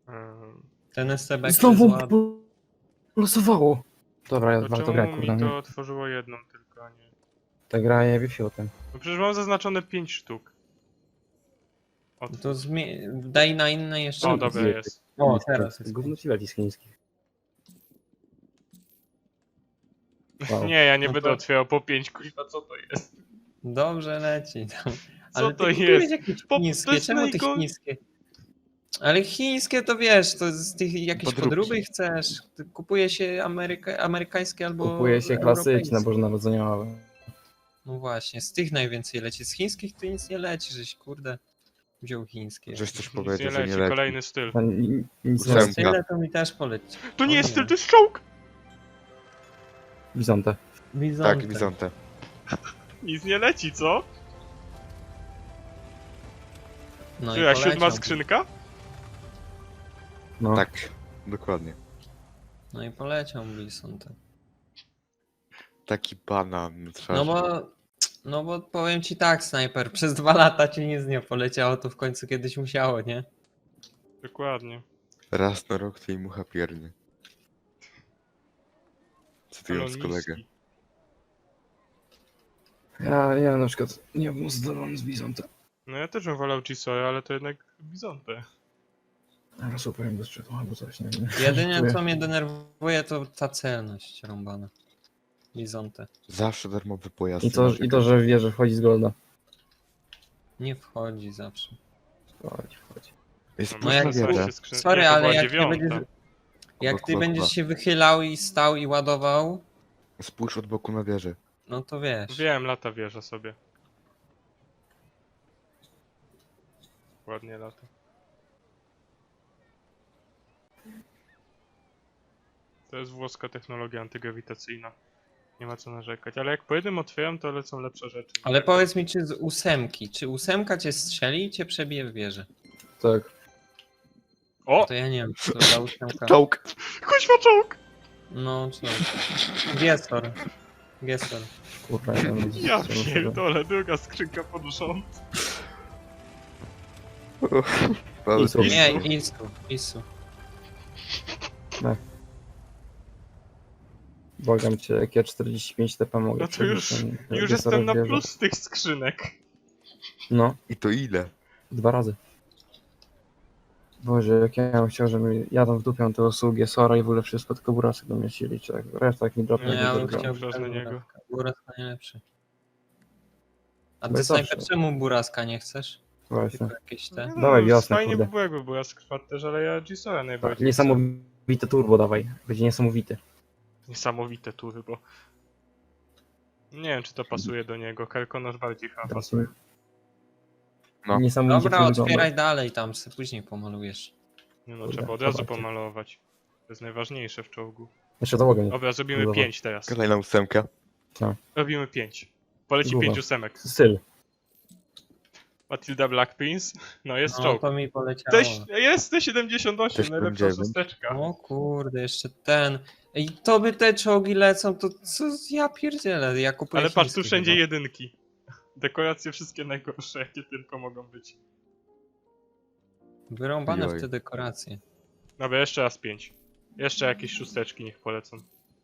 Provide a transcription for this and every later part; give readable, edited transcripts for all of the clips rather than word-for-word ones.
Ten STB Znowu losowało. Dobra, To warto grać, czemu kurde. mi to otworzyło jedną tylko, a nie... Ta gra jebie fiotem. No przecież mam zaznaczone 5 sztuk. To daj na inne jeszcze. O, dobra, jest. O, teraz jest. Gówno ci leci z chińskich. Wow. Nie, ja nie No będę to- otwierał po 5, kurwa, co to jest? Dobrze leci. Ale to ty jest? kupujesz jakieś To chińskie, jest czemu te chińskie? Ale chińskie to wiesz, to z tych jakieś Podróbki. podróby chcesz. Kupuje się amerykańskie albo Kupuje się klasyczne europejskie. bożonarodzeniowe. No właśnie, z tych najwięcej leci. Z chińskich to nic nie leci, żeś kurde wziął chińskie. Żeś coś Nic nie powiedział, że nie leci, leci. kolejny styl. To nic nie Ósemka. jest. Tyle to mi też poleci. To nie O jest styl, to jest czołg! Bizonte. Bizonte. Tak, Bizonte. Nic nie leci, co? No Czy ja poleciał. 7 skrzynka? No. Tak, dokładnie. No i poleciał Bizonte. Taki banan na twarzy. No bo powiem ci tak, snajper, przez 2 lata ci nic nie poleciało, to w końcu kiedyś musiało, nie? Dokładnie. Raz na rok tej mucha piernie. Cytując Kanoniski. kolegę. Ja na przykład nie byłem zadowolony z Bizonte. No ja też bym wolał Gisora, ale to jednak Bizonte. Ale super bez sprzętu albo coś, nie wiem. Jedynie co mnie denerwuje to ta celność rąbana. Bizonte. Zawsze darmowy pojazd. I to, że wie, że wchodzi z golda. Nie wchodzi zawsze. Wchodzi. Jest No No jak na jak wiele. Sorry, to ale była jak ty dziewiąta. będziesz, jak Obok ty będziesz Wrocław. się wychylał i stał i ładował, Spójrz od boku na wieżę. no to wiesz. Wiem, lata wieża sobie. Ładnie lata. To jest włoska technologia antygrawitacyjna. Nie ma co narzekać, ale jak po jednym otwieram, to lecą lepsze rzeczy. Ale powiedz mi, czy z 8, czy 8 cię strzeli i cię przebije w wieżę? Tak. O! To ja nie wiem, czy to za 8. Czołg! Kuźwa czołg! No, co? Gestor. Gestor. Kurwa, Ja pierdolę, druga skrzynka podnosząca. Isu. Nie, Isu. Błagam cię, jak ja 45 TP mogę. No to przebić, już- ten Już Gesser jestem na wieżę. plus z tych skrzynek. No, I to ile? 2 razy. Boże, jak ja bym chciał, żeby jadą w dupią te usługi Sora i w ogóle wszystko, tylko burasy do mnie chcieli, czy tak. Reszta jak mi No dropnie, ja to bym gra. chciał Wraz na niego. Buraska najlepszy. A No ty i snajper, zawsze. czemu Buraska nie chcesz? Właśnie. Tylko jakieś te. No, Dawaj wiosnę, fajnie kurde. by było, jakby była skrzpat też, ale ja Gisora Tak, najbardziej chcę. niesamowite turbo dawaj, będzie niesamowity. Niesamowite tury, bo... Nie wiem, czy to pasuje do niego. Kelkonosz bardziej chyba Teraz pasuje. No. Niesamowicie Dobra, to wygląda. otwieraj dalej tam, sobie później pomalujesz. Nie no, Kurde, trzeba od razu zobaczcie. pomalować. To jest najważniejsze w czołgu. Jeszcze załogę nie. Dobra, zrobimy Dobra. 5 teraz. Kolejna ósemka. Robimy 5. Poleci Dobra. 5 ósemek. Styl. Matilda Black Prince. No jest No czołg. to mi poleciało. Jest T78, Też najlepsza będzie. szósteczka. O kurde, jeszcze ten. I to by te czołgi lecą, to co ja pierdzielę, ja kupuję Ale patrz, tu chińskie wszędzie chyba. jedynki. Dekoracje wszystkie najgorsze, jakie tylko mogą być. Wyrąbane w Joj. te dekoracje. Dobra, jeszcze raz 5. Jeszcze jakieś szósteczki niech polecą.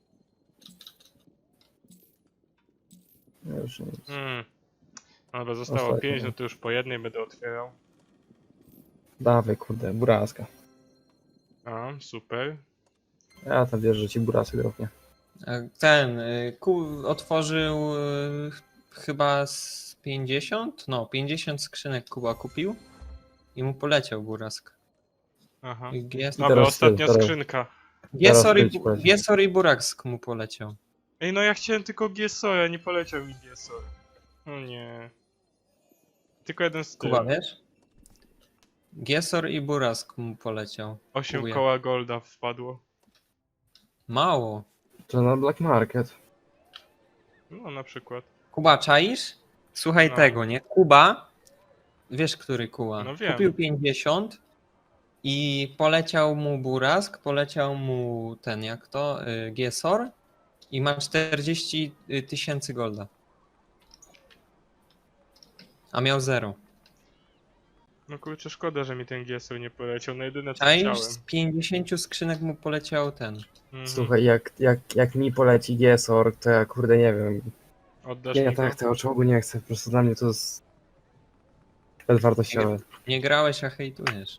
Ja już nie Dobra, zostało Ostatnie. 5, no to już po jednej będę otwierał. Dawaj, kurde, buraska. A, super. Ja tam wierzę, że ci burasy dropnie. Ten otworzył chyba z 50? No, 50 skrzynek Kuba kupił i mu poleciał Burask. Aha. Gesor, Dobra, teraz ostatnia teraz- skrzynka. Gesor i Burask mu poleciał. Ej, no ja chciałem tylko Giesora, nie poleciał mi Giesor. No nie. Tylko jeden styl. Kuba, wiesz? Gesor i Burask mu poleciał. 8 Kubuję. koła golda wpadło. Mało. To na Black Market. No na przykład. Kuba, czaisz? Słuchaj No. tego, nie? Kuba, wiesz który Kuba? No wiem. Kupił 50 i poleciał mu Burask, poleciał mu ten, jak to, Gesor i ma 40 tysięcy golda. A miał 0. No kurczę, szkoda, że mi ten GSO nie poleciał. Na jedyne co A już chciałem. z 50 skrzynek mu poleciał ten. Mhm. Słuchaj, jak mi poleci GSOR, to ja kurde nie wiem. Oddasz Nie, mi go? tak, tego czołgu nie chcę, po prostu dla mnie to jest bezwartościowe. Nie grałeś, a hejtujesz.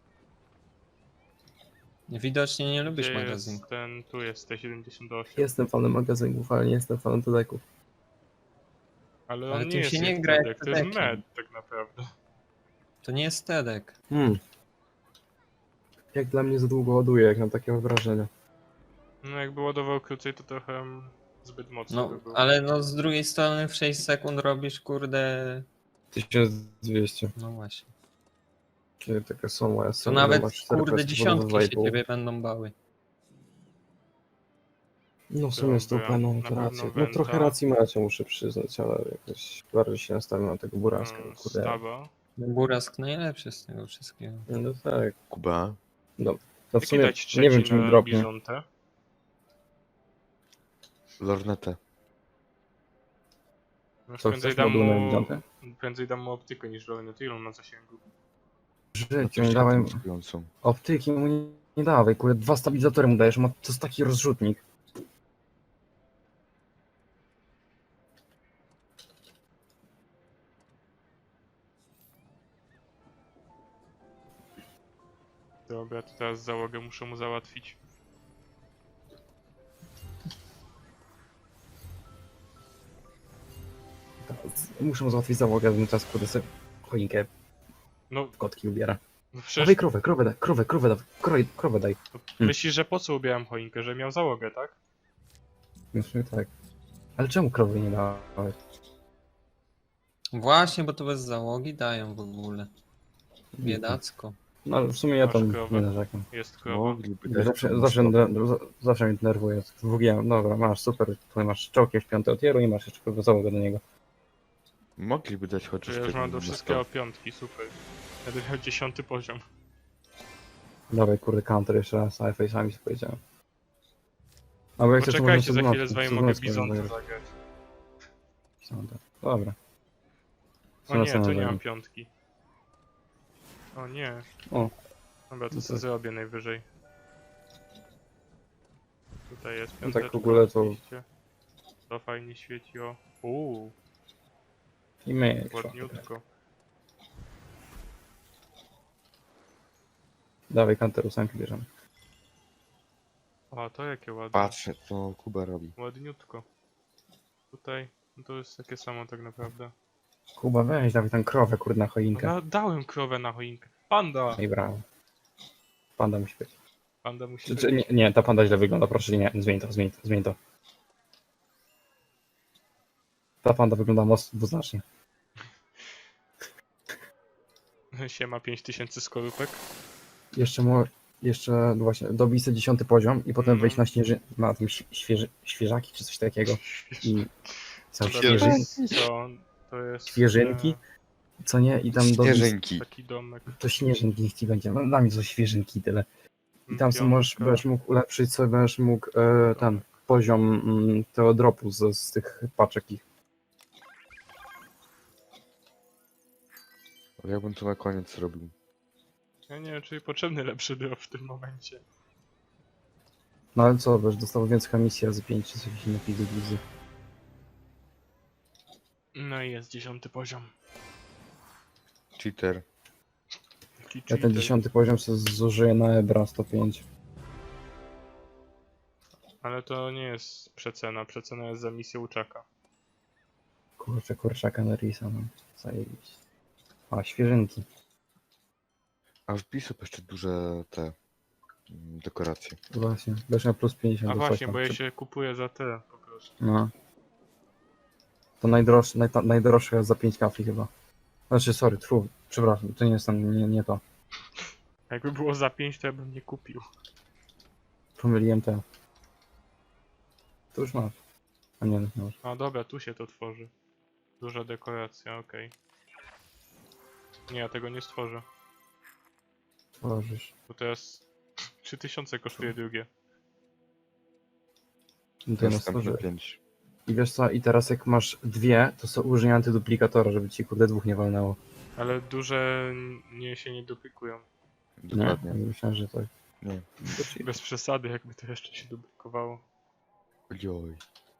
Widocznie nie lubisz Gdzie magazynku. jest ten... Tu jest T78. Jestem fanem magazynków, ale nie jestem fanem dodeków. Ale Ale on tym nie jest się nie jak gra jak Tedek, to jest Tedekiem. med tak naprawdę. To nie jest Tedek. Jak dla mnie za długo ładuje, jak mam takie wrażenie. No jakby ładował krócej, to trochę zbyt mocno No, by było. ale no z drugiej strony w 6 sekund robisz kurde... 1200. No właśnie. Kiedy takie są moje To nawet kurde dziesiątki się ciebie będą bały. No w sumie Dobra, 100 no na to pewno rację. No Venta. trochę racji macie, muszę przyznać, ale jakoś bardziej się nastawiam na tego Buraska. Kurde. Stawa. No, Burask najlepszy z tego wszystkiego. No tak. Kuba, No w Jaki sumie dać trzeci nie wiem czy mi na dropnie. Bizontę? lornetę. No, Co, prędzej chcesz dam moduł na mu... Bizantę? Prędzej dam mu optykę niż lornetę. Ile on ma zasięgu? W życiu nie dałem Mówiącą. optyki, mu nie dawaj, kurde, 2 stabilizatory mu dajesz, to jest taki rozrzutnik. Dobra, to teraz załogę muszę mu załatwić. Muszę mu załatwić załogę, bym teraz kurde sobie choinkę No, w kotki ubiera. no Dawaj przecież krowę daj, krowę daj. myślisz, że po co ubierałem choinkę? Że miał załogę, tak? Myślę tak. Ale czemu krowy nie dałeś? Właśnie, bo to bez załogi dają w ogóle. Biedacko. No ale w sumie ja Masz tam krowę. nie narzekam. Jest krowa. Mogliby dać Zawsze, komuś zawsze, to. zawsze mnie denerwuje. WG, dobra, masz super, tutaj masz czołg w 5 tieru i masz jeszcze kurwa załogę do niego. Mogliby dać Czy chociaż ja już tego mam do na wszystkiego 100. piątki, super. Będę miał 10 poziom. Dawaj kurde counter jeszcze raz, a face'ami sobie powiedziałem. Albo jak chcesz, to Poczekajcie, za możemy chwilę z wami mogę Bizontę zagrać. zagrać. Dobra. O nie, to nie zagramy. mam piątki. O nie. O. Dobra, to No sobie tak. zrobię najwyżej. Tutaj jest No piąteczka. tak w ogóle to- oczywiście. To fajnie świeci, o. I my. Ładniutko. Dawaj counter 8 bierzemy. O, to jakie ładne. Patrzę, co Kuba robi. Ładniutko. Tutaj, no to jest takie samo tak naprawdę. Kuba weź, dawaj tam krowę kurde na No, choinkę. dałem krowę na choinkę. Panda! I brawo. Panda musi być. Panda musi Czy, być. nie, ta panda źle wygląda, proszę nie, zmień to. Ta panda wygląda mocno dwuznacznie. Siema 5000 skorupek. Jeszcze właśnie dobij sobie 10 poziom i potem Mhm. wejść na tym świeżaki czy coś takiego. I co, Dobra, Co? To jest... świeżynki, co nie? I tam dobić Śnieżynki. Taki domek. to śnieżynki niech ci będzie. No dla mnie to świeżynki tyle. I tam sobie możesz, Piątka. będziesz mógł ulepszyć sobie, będziesz mógł ten poziom tego dropu z tych paczek ich. Ale ja bym to na koniec zrobił. Ja nie wiem, czy mi potrzebny lepszy drop w tym momencie. No ale co, będziesz dostał więcej misji razy 5 czy coś innego wizy. No i jest 10 poziom. Cheater. Taki Ja ten cheater. 10 poziom sobie zużyję na Ebra 105. Ale to nie jest przecena. Przecena jest za misję uczaka. Kurczę, kurczaka na Risa, no. Zajebiście. A, świeżynki. A wbij sobie jeszcze duże te dekoracje. Właśnie, będziesz miał plus 50 A do coś właśnie, tam. bo ja się kupuję za te po prostu. No. To najdroższe jest za 5 kafli chyba. Znaczy, sorry, przepraszam, to nie jest tam, nie to. Jakby było za 5, to ja bym nie kupił. Pomyliłem te. To już masz. A nie, nie masz. A dobra, tu się to tworzy. Duża dekoracja, okej. Nie, ja tego nie stworzę. Tworzysz. Bo teraz 3000 kosztuje drugie. No to ja Następne stworzyłem. 5. I wiesz co, i teraz jak masz dwie, to użyj antyduplikatora, żeby ci kurde dwóch nie walnęło. Ale duże się nie duplikują. Dokładnie. Nie? Myślałem, że tak. Nie. Bez przesady, jakby to jeszcze się duplikowało. Ojoj.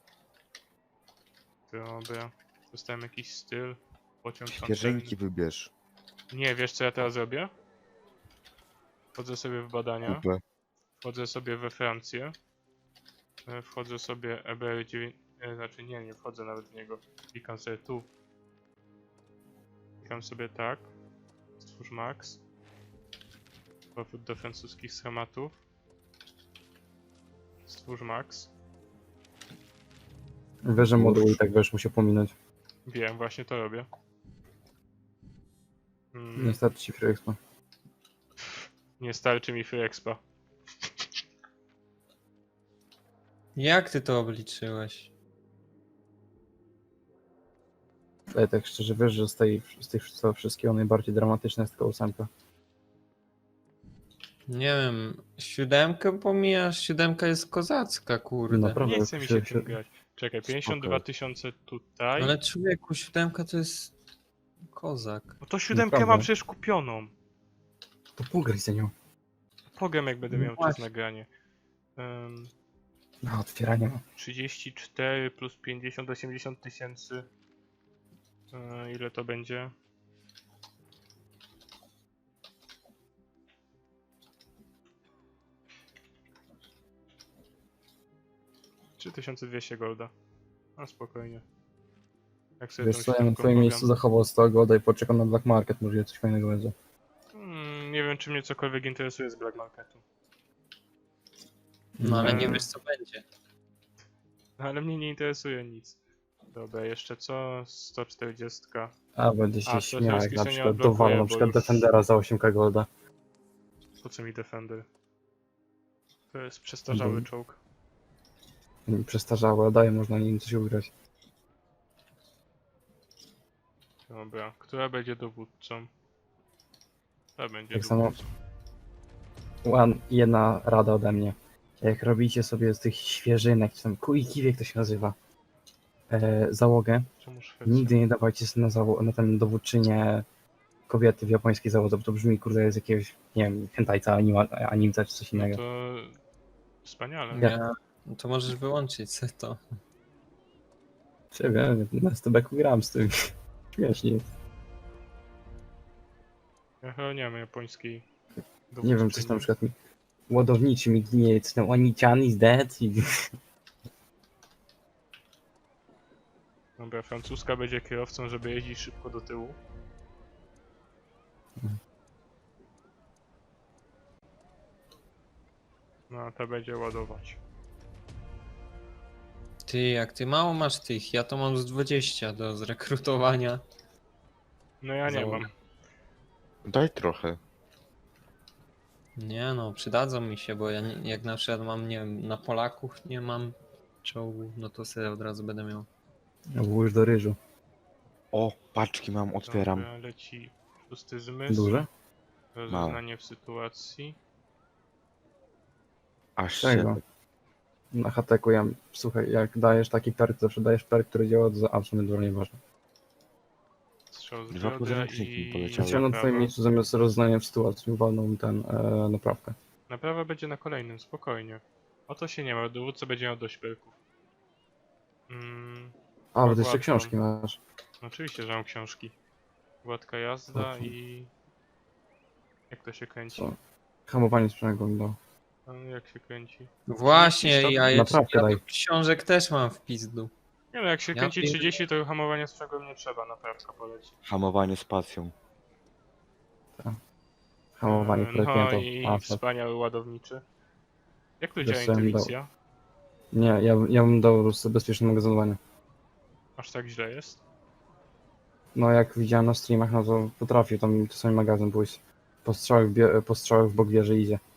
Dobra. Dostałem jakiś styl. Pociąg Świeżynki wybierz. pancerny. Nie, wiesz co ja teraz robię? Wchodzę sobie w badania. Kupę. Wchodzę sobie we Francję. Wchodzę sobie EBR9. Znaczy nie wchodzę nawet w niego. Klikam sobie tu. Klikam sobie tak. Stwórz max. Powrót do francuskich schematów. Stwórz max. Wiesz, że moduł i tak będziesz musiał pominąć. Wiem, właśnie to robię. Nie starczy ci Free Expo. Nie starczy mi Free Expa. Jak ty to obliczyłeś? Ale tak szczerze, wiesz, że z tych wszystkiego najbardziej dramatyczne jest tylko 8. Nie wiem, 7 pomijasz, 7 jest kozacka, kurde. Naprawdę. Nie chce mi się się- tym grać. Czekaj, 52 000 tutaj. Ale człowieku, 7 to jest kozak. No to 7 Naprawdę. mam przecież kupioną. To pograj za nią. Pogiem jak będę No miał czas właśnie. nagranie. No, otwieranie ma. 34 plus 50, 80 tysięcy. Ile to będzie? $3200 golda. A spokojnie. Jak sobie Wiesz tą co, ja na siódemką twoim pogam. miejscu zachował 100 golda i poczekam na Black Market, może coś fajnego będzie. Nie wiem, czy mnie cokolwiek interesuje z Black Marketu. No ale nie Mm. wiesz co będzie. No, ale mnie nie interesuje nic. Dobra, jeszcze co? 140. A, będzie A, się to śmiał, jest jak na pisanie przykład odblokuje, dowalą na bo przykład już- Defendera za 8k golda. Po co mi Defender? To jest przestarzały Mhm. czołg. Przestarzały, a daje można nim coś ugrać. Dobra, która będzie dowódcą? Ta będzie Tak samo dowódcą. jedna rada ode mnie. Jak robicie sobie z tych świeżynek, czy tam kiwiek to się nazywa, załogę, Czemu Szwecja? nigdy nie dawajcie sobie na ten dowódczynię kobiety w japońskiej załodze, bo to brzmi kurde z jakiegoś, nie wiem, hentajca, animca czy coś No innego. to... Wspaniale. Ja- No to możesz wyłączyć se to. Ciebie, na STB-ku gram z tym. Śmiesznie jest. Ja chyba nie mam japońskiej Nie wiem, coś tam na przykład mi ładowniczy mi ginie, coś tam Oni-chan is dead i... Dobra, francuska będzie kierowcą, żeby jeździć szybko do tyłu. No, a ta będzie ładować. Ty, jak ty mało masz tych, ja to mam z 20 do zrekrutowania. No ja nie Załoga. mam. Daj trochę. Nie no, przydadzą mi się, bo ja nie, jak na przykład mam, nie wiem, na Polaków nie mam czołgu, no to sobie od razu będę miał. Włóż do ryżu. O, paczki mam, otwieram. Dobra, leci szósty zmysł. Duże? Rozeznanie w sytuacji. Aż Czego? się... Na hateku ja, słuchaj, jak dajesz taki perk, zawsze dajesz perk, który działa do absolutnie dużo nieważne. Strzał z Dwa biodra podręczniki i... poleciały. Chciałem na twoim naprawa. miejscu zamiast rozdania w sytuacji walną ten naprawkę. Naprawa będzie na kolejnym, spokojnie. O to się nie ma, dowódca będzie miał dość perków. A, bo ty jeszcze łatwo. książki masz. Oczywiście, że mam książki. Gładka jazda Okej. i... Jak to się kręci? Co? Hamowanie sprzęgło mi dało. A jak się kręci? Właśnie, stopni? ja jeszcze Naprawkę ja daj. tu książek też mam w pizdu. Nie no, jak się Ja kręci pier- 30, to hamowania sprzęgłem nie trzeba, naprawka poleci. Hamowanie spacją. Hamowanie No projektanta. i A, tak. wspaniały ładowniczy. Jak tu Wiesz działa co, ja bym intuicja? Nie, ja bym dał po prostu bezpieczne magazynowanie. Aż tak źle jest? No jak widziałem na streamach, no to potrafił tam czasami magazyn pójść. Po strzałach w bok wieży idzie.